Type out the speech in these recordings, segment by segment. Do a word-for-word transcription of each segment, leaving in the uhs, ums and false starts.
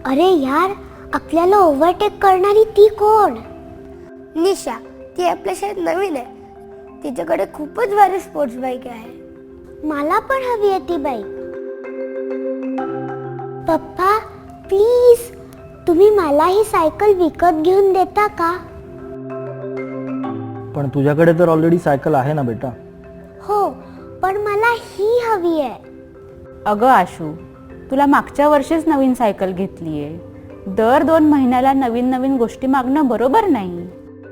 अरे यार, आपल्याला ओव्हरटेक करणारी ती कोण? निशा. ती आपल्या शाळेत नवीन आहे. तिच्याकडे खूपच भारी स्पोर्ट्स बाईक आहे. मला पण हवी आहे ती बाईक. पप्पा प्लीज, तुम्ही मला ही सायकल विकत घेऊन देता का? पण तुझ्याकडे तर ऑलरेडी सायकल आहे ना बेटा. हो, पण मला ही हवी आहे. अगं आशू, तुला मागच्या वर्षीच नवीन सायकल घेतली आहे. दर दोन महिन्याला नवीन नवीन गोष्टी मागणं बरोबर नाही.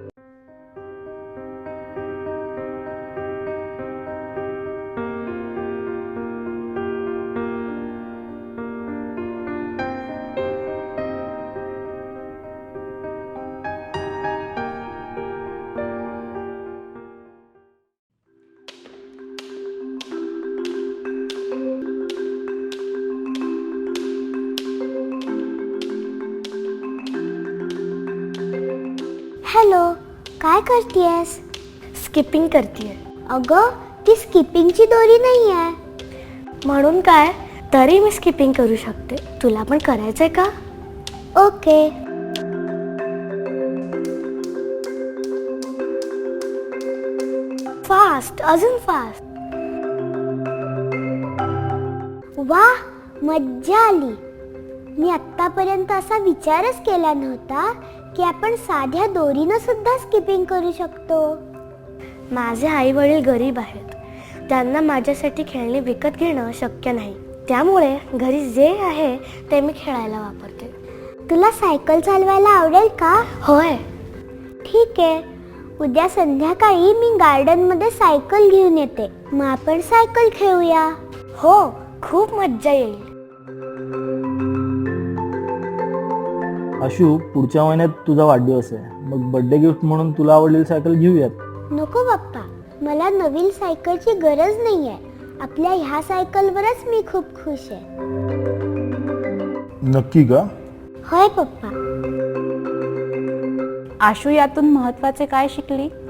हॅलो, काय करतेयस? स्किपिंग करतेय. अगं, ती स्किपिंगची दोरी नाही आहे. म्हणून काय, तरी मी स्किपिंग करू शकते. तुला पण करायचंय का? ओके. फास्ट, अजून फास्ट. वा, मज्जा आली. मी आत्तापर्यंत असा विचारच केला नव्हता की आपण साध्या दोरीनं सुद्धा स्किपिंग करू शकतो. माझे आई वडील गरीब आहेत. त्यांना माझ्यासाठी खेळणी विकत घेणं शक्य नाही. त्यामुळे घरी जे आहे ते मी खेळायला वापरते. तुला सायकल चालवायला आवडेल का? होय. ठीक आहे, उद्या संध्याकाळी मी गार्डन मध्ये सायकल घेऊन येते. मग आपण सायकल खेळूया. हो, खूप मज्जा येईल. आशू, पुढच्या महिन्यात तुझा वाढदिवस आहे. मग बर्थडे गिफ्ट म्हणून तुला आवडलेली सायकल घेऊयात. नको बाप्पा, मला नवीन सायकलची गरज नाही आहे. आपल्या ह्या सायकलवरच मी खूप खुश आहे. नक्की का? होय पप्पा. आशू, यातून महत्त्वाचे काय शिकली?